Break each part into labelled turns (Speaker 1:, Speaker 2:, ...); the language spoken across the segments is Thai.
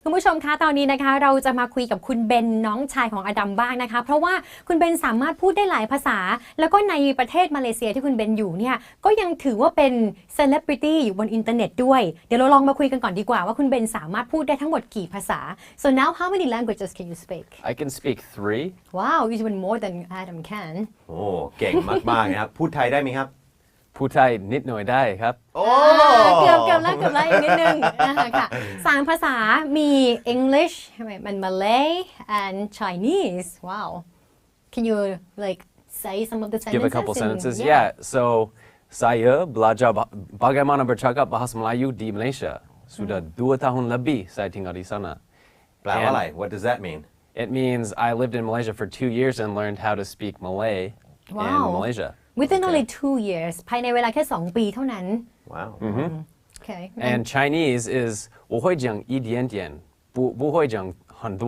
Speaker 1: คุณผู้ชมคะตอนนี้นะคะเราจะมาคุยกับคุณเบนน้องชายของอดัมบ้างนะคะเพราะว่าคุณเบนสามารถพูดได้หลายภาษาแล้วก็ในประเทศมาเลเซียที่คุณเบนอยู่เนี่ยก็ยังถือว่าเป็นเซเลบริตี้อยู่บนอินเทอร์เน็ตด้วยเดี๋ยวเราลองมาคุยกันก่อนดีกว่าว่าคุณเบนสามารถพูดได้ทั้งหมดกี่ภาษา so now how many languages can you speak
Speaker 2: I can speak 3
Speaker 1: wow even more than Adam can
Speaker 3: โอ้เก่งมากๆนะครับพูดไทยได้ไหมครับ
Speaker 2: พูดไทยนิดหน่อยได้ครับ
Speaker 3: โอ้
Speaker 1: เกือบแล้วอีกนิดนึงค่ะ3ภาษามี English มัน Malay and Chinese wow can you like say some of the sentences
Speaker 2: Give a couple sentences yeah so saya belajar bagaimana bercakap bahasa Melayu di Malaysia sudah 2 tahun lebih saya tinggal di sana
Speaker 3: แปลว่าอะไร What does that mean
Speaker 2: It means I lived in Malaysia for 2 years and learned how to speak Malay in Malaysia
Speaker 1: within only 2 years ภายในเวลาแค่2 ปีเท่านั้น
Speaker 3: Wow
Speaker 2: Okay and Chinese is 我会讲一点点不会讲很多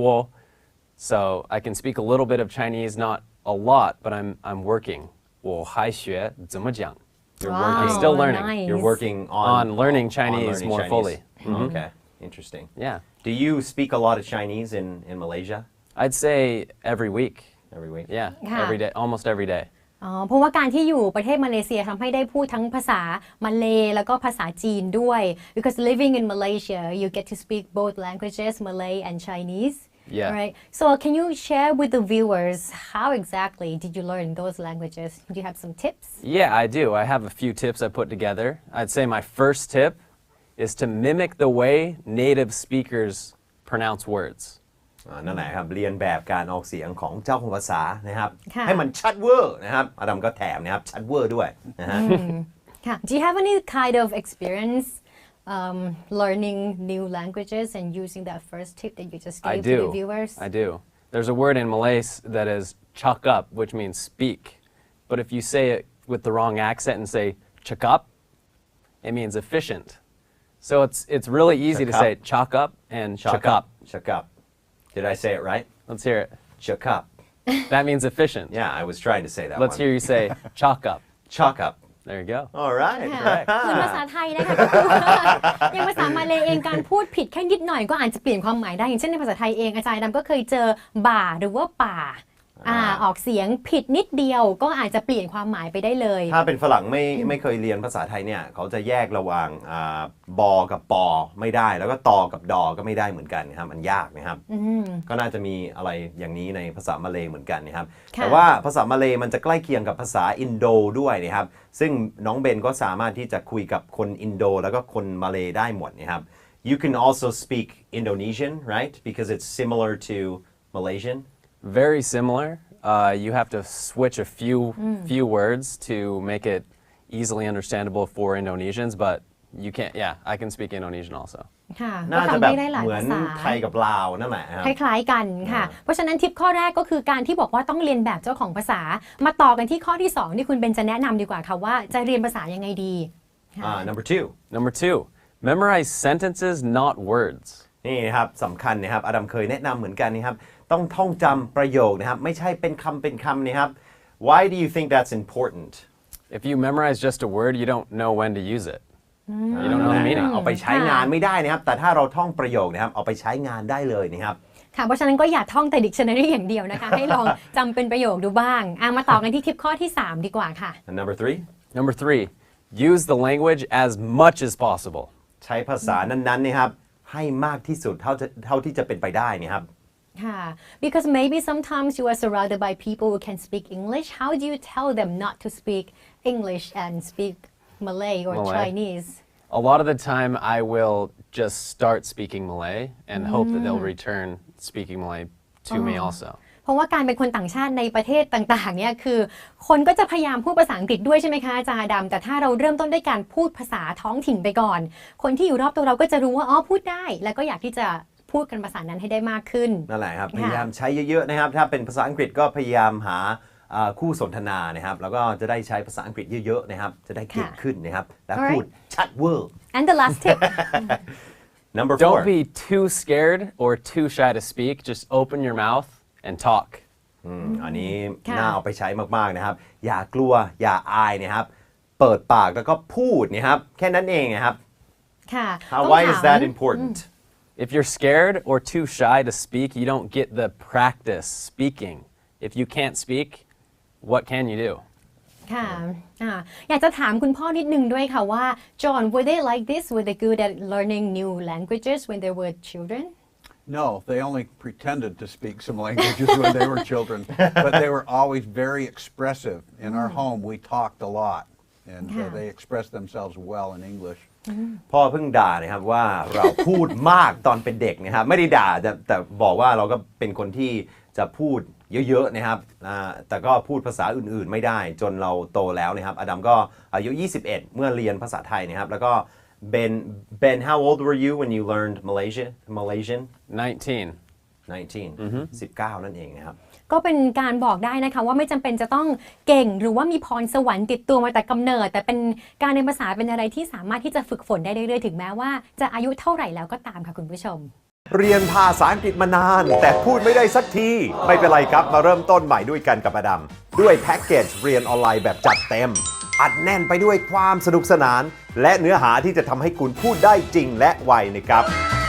Speaker 2: so I can speak a little bit of Chinese not a lot but I'm working 我还学怎么讲 You're working still learning
Speaker 1: nice.
Speaker 3: You're working
Speaker 2: on learning
Speaker 3: on
Speaker 2: Chinese
Speaker 3: learning
Speaker 2: more
Speaker 3: Chinese.
Speaker 2: fully
Speaker 3: Okay interesting
Speaker 2: Yeah
Speaker 3: Do you speak a lot of Chinese in Malaysia
Speaker 2: I'd say every week
Speaker 3: every week
Speaker 2: Yeah
Speaker 1: ค่ะ
Speaker 2: every day almost every day
Speaker 1: เพราะว่าการที่อยู่ประเทศมาเลเซียทำให้ได้พูดทั้งภาษามาเลแล้วก็ภาษาจีนด้วย because living in Malaysia you get to speak both languages Malay and Chinese
Speaker 2: Yeah.
Speaker 1: Right so can you share with the viewers how exactly did you learn those languages do you have some tips
Speaker 2: Yeah I do I have a few tips I put together I'd say my first tip is to mimic the way native speakers pronounce words
Speaker 3: นั่นแหละครับเรียนแบบการออกเสียงของเจ้าของภาษานะครับ
Speaker 1: ค่ะ
Speaker 3: ให้มันชัดเวอร์นะครับอดัมก็แถมนะครับชัดเวอร์ด้วยนะฮะ
Speaker 1: ค่ะ Do you have any kind of experience learning new languages and using that first tip that you just
Speaker 2: I
Speaker 1: gave to the
Speaker 2: do
Speaker 1: viewers
Speaker 2: I do There's a word in Malay that is chuck up which means speak but if you say it with the wrong accent and say chuck up it means efficient so it's really easy to say chuck up and chuck up
Speaker 3: Chuck up Did I say it right
Speaker 2: Let's hear it
Speaker 3: Chuck up
Speaker 2: That means efficient
Speaker 3: Yeah I was trying to say that
Speaker 2: Let's
Speaker 3: one
Speaker 2: hear you say chalk up
Speaker 3: Chuck up
Speaker 2: There you go
Speaker 3: All right
Speaker 1: เหมือนภาษาไทยนะคะก็คือว่าอย่างภาษามาเลเองการพูดผิดแค่นิดหน่อยก็อาจจะเปลี่ยนความหมายได้อย่างเช่นในภาษาไทยเองอาจารย์ดำก็เคยเจอบ่าหรือว่าป่าออกเสียงผิดนิดเดียวก็อาจจะเปลี่ยนความหมายไปได้เลย
Speaker 3: ถ้าเป็นฝรั่งไม่เคยเรียนภาษาไทยเนี่ยเขาจะแยกระหว่างบอกับปอไม่ได้แล้วก็ตอกับดอก็ไม่ได้เหมือนกันนะครับมันยากนะครับก็น่าจะมีอะไรอย่างนี้ในภาษามาเลย์เหมือนกันนะครับแต่ว่าภาษามาเลย์มันจะใกล้เคียงกับภาษาอินโดด้วยนะครับซึ่งน้องเบนก็สามารถที่จะคุยกับคนอินโดแล้วก็คนมาเลย์ได้หมดนะครับ You can also speak Indonesian right because it's similar to Malaysian
Speaker 2: Very similar you have to switch a few words to make it easily understandable for Indonesians but you can't yeah I can speak Indonesian also
Speaker 1: ค่ะก็
Speaker 3: น่าจะ
Speaker 1: ทำ
Speaker 3: แบบ
Speaker 1: ให้ได้หลาย
Speaker 3: เหมือ
Speaker 1: ภาน ษา
Speaker 3: ไทยกับลาวนั่นแหละครับ
Speaker 1: คล้ายๆกันค่ะเพราะฉะนั้นทิปข้อแรกก็คือการที่บอกว่าต้องเรียนแบบเจ้าของภาษามาต่อกันที่ข้อที่2ที่คุณเบนจะแนะนำดีกว่าค่ะว่าจะเรียนภาษายังไงดี
Speaker 3: Number
Speaker 2: 2 memorize sentences not words
Speaker 3: นี่นะครับสำคัญนะครับอดัมเคยแนะนำเหมือนกันนะครับต้องท่องจำประโยคนะครับไม่ใช่เป็นคำนะครับ Why do you think that's important
Speaker 2: If you memorize just a word you don't know when to use it you don't know the meaning
Speaker 3: เอาไปใช้งานไม่ได้นะครับแต่ถ้าเราท่องประโยคนะครับเอาไปใช้งานได้เลยนะครับ
Speaker 1: ค่ะเพราะฉะนั้นก็อย่าท่องแต่ dictionary อย่างเดียวนะคะ ให้ลองจำเป็นประโยคดูบ้างมาต่อกันที่ทิปข้อที่3ดีกว่าค่ะ
Speaker 3: And Number 3
Speaker 2: use the language as much as possible
Speaker 3: ใช้ภาษานั้นๆนะครับให้มากที่สุดเท่าที่จะเป็นไปได้นะครับ
Speaker 1: ค่ะ because maybe sometimes you are surrounded by people who can speak English how do you tell them not to speak English and speak Malay or Chinese
Speaker 2: A lot of the time I will just start speaking Malay and hope that they'll return speaking Malay to me also
Speaker 1: เพราะว่าการเป็นคนต่างชาติในประเทศต่างๆเนี่ยคือคนก็จะพยายามพูดภาษาอังกฤษด้วยใช่ไหมคะอาจารย์ดำแต่ถ้าเราเริ่มต้นด้วยการพูดภาษาท้องถิ่นไปก่อนคนที่อยู่รอบตัวเราก็จะรู้ว่าอ๋อพูดได้แล้วก็อยากที่จะพูดกันภาษานั้นให้ได้มากขึ้น
Speaker 3: นั่นแหละครับพยายามใช้เยอะๆนะครับถ้าเป็นภาษาอังกฤษก็พยายามหาคู่สนทนานะครับแล้วก็จะได้ใช้ภาษาอังกฤษเยอะๆนะครับจะได้เก่งขึ้นนะครับและพูดชัดเวอร์
Speaker 1: and the last tip
Speaker 3: Number 4
Speaker 2: Don't be too scared or too shy to speak just open your mouth and talk
Speaker 3: อันนี้น่าเอาไปใช้มากๆนะครับอย่ากลัวอย่าอายนะครับเปิดปากแล้วก็พูดนะครับแค่นั้นเองนะครับ
Speaker 1: ค่ะ
Speaker 3: Why is that important
Speaker 2: If you're scared or too shy to speak, you don't get the practice speaking. If you can't speak, what can you do?
Speaker 1: ค่ะอยากจะถามคุณพ่อนิดนึงด้วยค่ะว่า John were they like this were they good at learning new languages when they were children
Speaker 4: No, they only pretended to speak some languages when they were children, but they were always very expressive. In our home, we talked a lot, and they expressed themselves well in English.
Speaker 3: พ่อเพิ่งด่านะครับว่าเราพูดมากตอนเป็นเด็กนะครับไม่ได้ด่าแต่บอกว่าเราก็เป็นคนที่จะพูดเยอะๆนะครับแต่ก็พูดภาษาอื่นๆไม่ได้จนเราโตแล้วนะครับอดัมก็อายุ 21 เมื่อเรียนภาษาไทยนะครับแล้วก็Ben how old were you when you learned Malaysian
Speaker 2: 19.
Speaker 3: 19 นั่นเองนะครับ
Speaker 1: ก็เป็นการบอกได้นะคะว่าไม่จำเป็นจะต้องเก่งหรือว่ามีพรสวรรค์ติดตัวมาแต่กำเนิดแต่เป็นการเรียนภาษาเป็นอะไรที่สามารถที่จะฝึกฝนได้เรื่อยๆถึงแม้ว่าจะอายุเท่าไหร่แล้วก็ตามค่ะคุณผู้ชม
Speaker 3: เรียนภาษาอังกฤษมานานแต่พูดไม่ได้สักทีไม่เป็นไรครับมาเริ่มต้นใหม่ด้วยกันกับอดัมด้วยแพ็กเกจเรียนออนไลน์แบบจัดเต็มอัดแน่นไปด้วยความสนุกสนานและเนื้อหาที่จะทำให้คุณพูดได้จริงและไวนะครับ